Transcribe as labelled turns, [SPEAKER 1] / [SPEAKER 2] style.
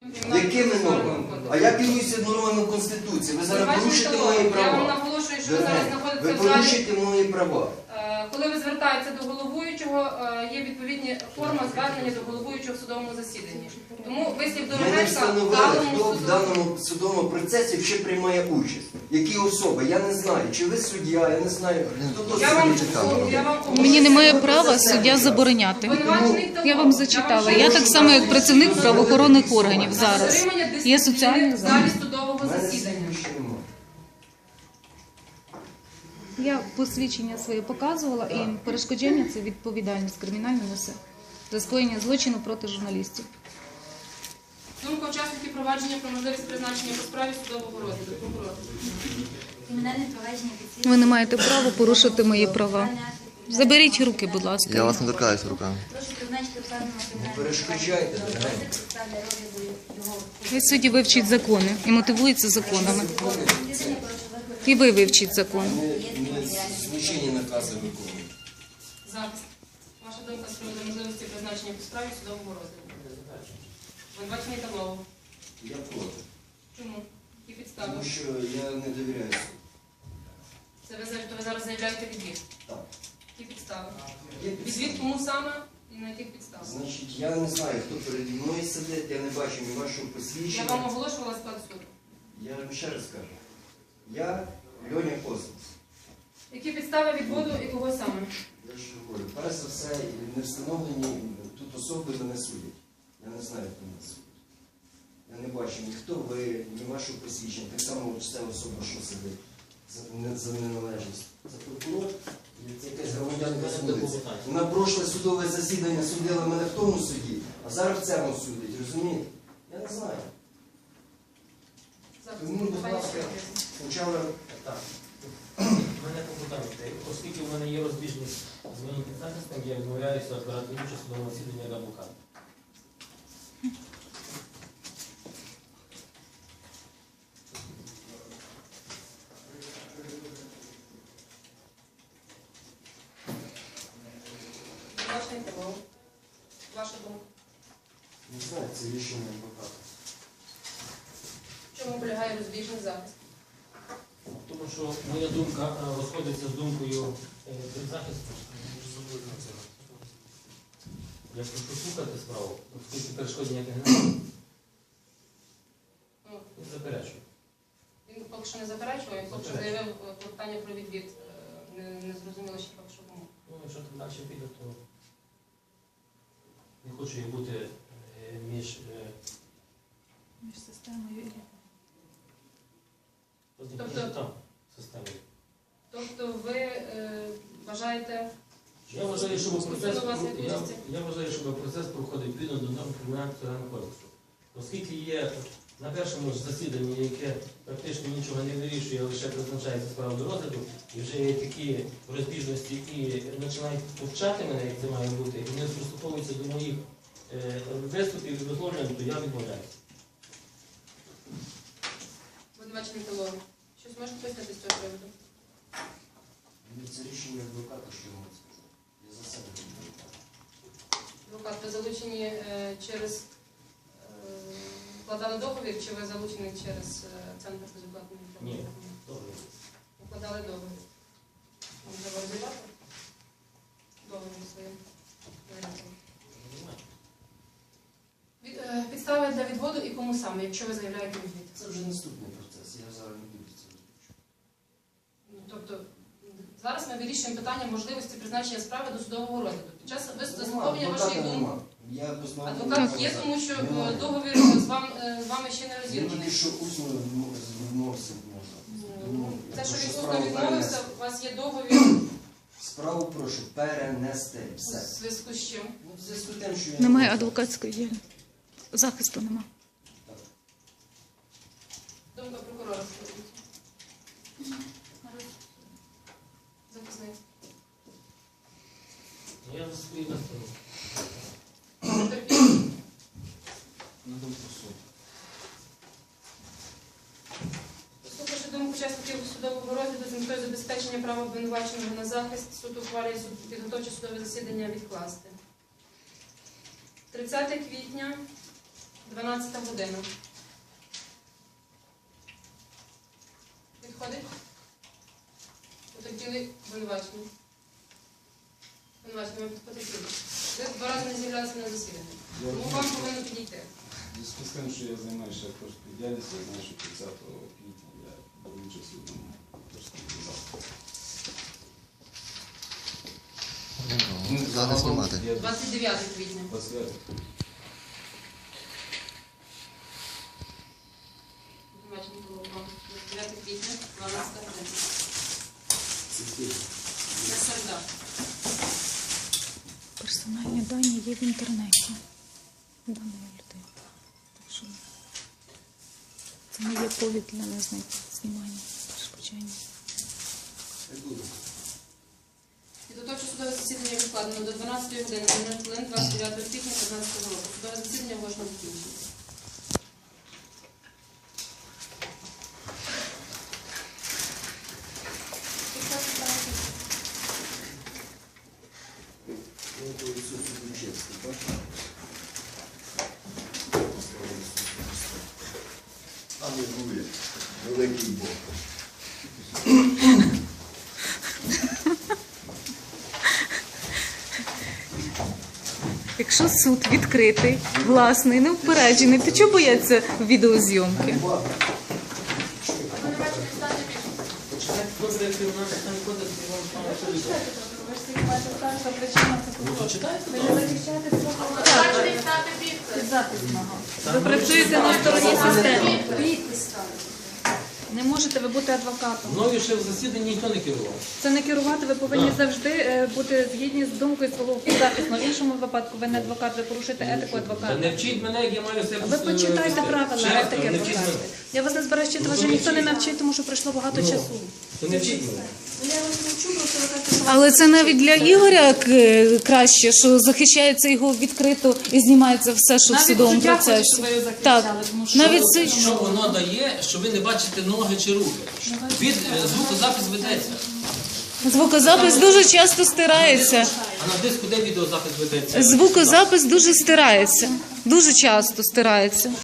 [SPEAKER 1] Якими нормами? А я керуюся нормами Конституції. Ви зараз порушите мої права.
[SPEAKER 2] Я вам наголошую, що ви зараз знаходитеся в залі.
[SPEAKER 1] Ви порушите мої права.
[SPEAKER 2] Коли ви звертаєтеся до головуючого, є відповідні форма звернення до головуючого в судовому засіданні. Тому вислів
[SPEAKER 1] Ми не
[SPEAKER 2] Дорогенка в
[SPEAKER 1] встановили,
[SPEAKER 2] даному
[SPEAKER 1] хто в
[SPEAKER 2] суду...
[SPEAKER 1] даному судовому процесі ще приймає участь. Які особи? Я не знаю. Чи ви суддя, я не знаю. Хто то
[SPEAKER 3] Мені немає права суддя забороняти. Я вам зачитала. Я так само, як працівник правоохоронних органів зараз. Є соціальний
[SPEAKER 2] в залі судового засідання.
[SPEAKER 3] Я посвідчення своє показувала, і перешкодження – це відповідальність кримінальна несе за скоєння злочину проти журналістів.
[SPEAKER 2] Думка учасників провадження про можливість призначення по справі судового розгляду. Прокурор.
[SPEAKER 3] Ви не маєте права порушити мої права. Заберіть руки, будь ласка.
[SPEAKER 4] Я вас не торкаюся руками.
[SPEAKER 1] Не перешкоджайте.
[SPEAKER 3] Ви судді вивчіть закони і мотивуються законами. І ви вивчіть закони.
[SPEAKER 1] Злочинні накази виконують.
[SPEAKER 2] Захист. Ваша думка з приводу можливості призначення по справі судового розгляду. Обвинувачений Тавлов.
[SPEAKER 1] Я проти.
[SPEAKER 2] Чому? Які підстави?
[SPEAKER 1] Тому що я не довіряю суду.
[SPEAKER 2] Це ви зараз заявляєте відвід?
[SPEAKER 1] Так.
[SPEAKER 2] Які підстави?
[SPEAKER 1] Є підстави.
[SPEAKER 2] Відвід кому саме і на яких підставах?
[SPEAKER 1] Значить, я не знаю, хто переді мною сидить, я не бачу ні вашого
[SPEAKER 2] Я
[SPEAKER 1] посвідчення.
[SPEAKER 2] вам оголошувала склад суду.
[SPEAKER 1] Я вам ще раз кажу. Я Льоня Космос.
[SPEAKER 2] Які підстави відводу і кого саме?
[SPEAKER 1] Я ж говорю, перш за все, не встановлені тут особи мене судять. Я не знаю, хто мене судить. Я не бачу ні хто ви, ні вашого посвідчення. Так само ця особа, що сидить за неналежність. Це прокурор, це якась громадянка з вулиці. Вона прошле судове засідання судила мене в тому суді, а зараз в цьому судить, розумієте? Я не знаю. Тому, будь ласка, спочатку так.
[SPEAKER 5] Мене попитання, оскільки в мене є розбіжність з моїм підзахистом, я відмовляюся брати участь у судовому засіданні як адвокат.
[SPEAKER 2] Ваша думка.
[SPEAKER 1] Не знаю, це рішення адвоката.
[SPEAKER 2] В чому полягає розбіжний захист?
[SPEAKER 5] Тому що моя думка розходиться з думкою підзахисту. Я прошу слухати справу, оскільки перешкод ніяких немає. Не заперечую.
[SPEAKER 2] Він поки що не заперечував, він поки що заявив клопотання про відвід. Не зрозуміло ще поки що кому.
[SPEAKER 5] Ну, якщо там далі піде, то не хочу я бути між
[SPEAKER 3] системою і...
[SPEAKER 5] там системою.
[SPEAKER 2] Тобто ви вважаєте,
[SPEAKER 5] Я вважаю, щоб
[SPEAKER 2] що
[SPEAKER 5] процес проходив відповідно до норм Кримінально-процесуального кодексу. Оскільки є на першому ж засіданні, яке практично нічого не вирішує, а лише призначається справа до розгляду, і вже є такі розбіжності і починають повчати мене, як це має бути, і вони приступовуються до моїх виступів і висловлювань, то я відмовляюся.
[SPEAKER 2] Обвинувачений Тавлов, щось можете пояснити з цього приводу?
[SPEAKER 1] Це рішення адвоката, що я можу сказати. Я за себе не адвокат.
[SPEAKER 2] Адвокат, ви залучені через укладали договір, чи ви залучені через Центр безоплатної інформації?
[SPEAKER 5] Ні, договір.
[SPEAKER 2] Укладали договір. Вам треба розірвати договір своїм варіантом. Підстави для відводу і кому саме, якщо ви заявляєте відвід?
[SPEAKER 1] Це вже наступний процес, я зараз не буду це розповідати.
[SPEAKER 2] Тобто, зараз ми вирішуємо питання можливості призначення справи до судового розгляду. Під час заслуховування вашої думки. Адвокат є, тому що договір з вами ще не
[SPEAKER 1] Він
[SPEAKER 2] розірваний.
[SPEAKER 1] тільки що усно відмовився можна.
[SPEAKER 2] Те, що він усно відмовився, у вас є договір.
[SPEAKER 1] Справу прошу перенести.
[SPEAKER 2] У
[SPEAKER 1] Все.
[SPEAKER 2] зв'язку з чим?
[SPEAKER 1] Ну, в зв'язку з тим, що я...
[SPEAKER 3] Немає адвокатської діяльності. Захисту нема.
[SPEAKER 2] Думка прокурора скажіть. Захисник.
[SPEAKER 5] Я за свої настанови.
[SPEAKER 2] Потерпілий.
[SPEAKER 1] На думку суду.
[SPEAKER 2] Послухавши думку учасників судового розгляду з метою забезпечення права обвинуваченого на захист, суд ухвалює підготовче судове засідання відкласти. 30 квітня 12 година. Підходить? Потерпіли обвинувачення. Обвинувачення, ми потерпіли. Ви 2 рази не з'являлися на засіданні. Тому вам повинно підійти.
[SPEAKER 4] В зв'язку з тим, що я займаюся акторською діяльністю, я знаю, що 30 квітня я беру участь у одному акторському заході.
[SPEAKER 1] Зараз знімати.
[SPEAKER 2] 29 квітня.
[SPEAKER 4] 29.
[SPEAKER 2] Обвинувачення було вам 29 квітня, 12 година. Це середа.
[SPEAKER 3] Персональні дані є в інтернеті даної людини. Так що це не є повід для знімання, перешкоджання.
[SPEAKER 2] Підготовче судове засідання відкладено до 12 години, 0 хвилин, 29 квітня 2015 року. Судове засідання можна закінчити.
[SPEAKER 1] Алілуя. Великий Бог.
[SPEAKER 3] Якщо суд відкритий, власний, неупереджений, то чого бояться відеозйомки?
[SPEAKER 6] Ви працюєте на стороні системи. Не можете ви бути адвокатом.
[SPEAKER 5] Мною ще в засіданні ніхто не керував.
[SPEAKER 6] Це не керувати, ви повинні завжди бути згідні з думкою свого захисного. В іншому випадку ви не адвокат, ви порушуєте етику
[SPEAKER 5] Та
[SPEAKER 6] адвоката.
[SPEAKER 5] не вчіть мене, як я маю себе
[SPEAKER 6] Ви почитайте
[SPEAKER 5] вести.
[SPEAKER 6] правила
[SPEAKER 5] Ще раз
[SPEAKER 6] етики
[SPEAKER 5] кажу, не вчіть
[SPEAKER 6] адвоката.
[SPEAKER 5] мене.
[SPEAKER 6] Я вас не збираю вчити, вас
[SPEAKER 5] Ну,
[SPEAKER 6] же ніхто не
[SPEAKER 5] вчіть.
[SPEAKER 6] навчить, тому що пройшло багато часу.
[SPEAKER 5] То не вчіть мене.
[SPEAKER 6] Я вас навчу, просто ви кажете, що
[SPEAKER 3] Але це навіть для Ігоря краще, що захищається його відкрито і знімається все, що в
[SPEAKER 6] навіть
[SPEAKER 3] судовому
[SPEAKER 6] суддя хоче,
[SPEAKER 3] процесі.
[SPEAKER 6] щоб ви його
[SPEAKER 3] Так,
[SPEAKER 6] захищали. Тому що
[SPEAKER 3] навіть це
[SPEAKER 5] Що воно дає, що ви не бачите ноги чи руки? Від звукозапис ведеться.
[SPEAKER 3] звукозапис дуже часто стирається.
[SPEAKER 5] А на диску де відеозапис ведеться?
[SPEAKER 3] Звукозапис дуже стирається. Дуже часто стирається.